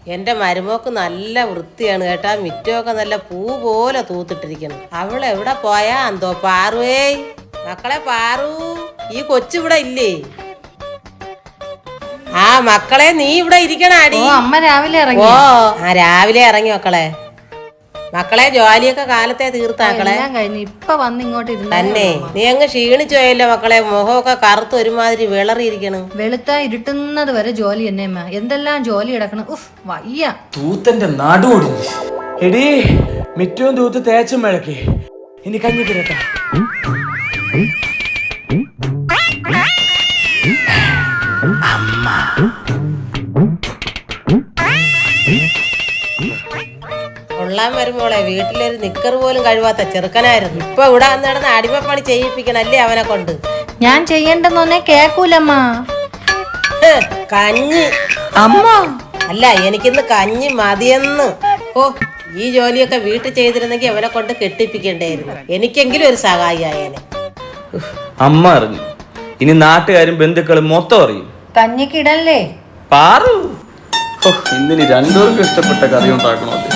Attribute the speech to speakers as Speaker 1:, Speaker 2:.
Speaker 1: എന്റെ മരുമോക്ക് നല്ല വൃത്തിയാണ് കേട്ടാ. മിറ്റമൊക്കെ നല്ല പൂ പോലെ തൂത്തിട്ടിരിക്കണം. അവളെവിടെ പോയാ എന്തോ? പാറുവേ, മക്കളെ പാറു, ഈ കൊച്ചിവിടെ ഇല്ലേ? ആ മക്കളെ, നീ ഇവിടെ ഇരിക്കണാടി.
Speaker 2: അമ്മ രാവിലെ ഇറങ്ങി.
Speaker 1: രാവിലെ ഇറങ്ങി മക്കളെ. മക്കളെ ജോലിയൊക്കെ കാലത്തെ തീർത്താക്കളെ.
Speaker 2: ഇപ്പൊ വന്ന് ഇങ്ങോട്ട്
Speaker 1: തന്നെ നീ അങ്ങ് ക്ഷീണിച്ചു പോയല്ലോ മക്കളെ. മുഖമൊക്കെ കറുത്ത് ഒരുമാതിരി വിളറിയിരിക്കണം.
Speaker 2: വെളുത്ത ഇരുട്ടുന്നത് വരെ ജോലി തന്നെ അമ്മ. എന്തെല്ലാം ജോലി കിടക്കണം. ഉഫ്, വയ്യ.
Speaker 3: തൂത്തന്റെ നടുവൊടിഞ്ഞു. എടീ, മിറ്റവും തൂത്ത് തേച്ചും മിഴക്കി. ഇനി കഞ്ഞി കിരട്ടാ. അമ്മ
Speaker 1: കൊള്ളാൻ വരുമ്പോളെ വീട്ടിലൊരു നിക്കർ പോലും കഴിവാത്ത ചെറുക്കനായിരുന്നു. ഇപ്പൊ ഇവിടെ വന്നിടന്ന് അടിമപ്പണി ചെയ്യിപ്പിക്കണല്ലേ അവനെ കൊണ്ട്.
Speaker 2: ഞാൻ ചെയ്യണ്ടെന്നൊന്നേ കേക്കൂലമ്മ.
Speaker 1: കഞ്ഞി
Speaker 2: അമ്മ
Speaker 1: അല്ല, എനിക്കിന്ന് കഞ്ഞി മതിയെന്ന്. ഓ, ഈ ജോലിയൊക്കെ വീട്ടിൽ ചെയ്തിരുന്നെങ്കിൽ അവനെ കൊണ്ട് കെട്ടിപ്പിക്കണ്ടായിരുന്നു. എനിക്കെങ്കിലും ഒരു സഹായിയായേനെ.
Speaker 3: അമ്മ അറിഞ്ഞു. ഇനി നാട്ടുകാരും ബന്ധുക്കളും മൊത്തം അറിയും.
Speaker 2: കഞ്ഞിക്കിടല്ലേ
Speaker 3: പാറു. ഇന്നിനി രണ്ടുപേർക്കും ഇഷ്ടപ്പെട്ട കറി ഉണ്ടാക്കണോ?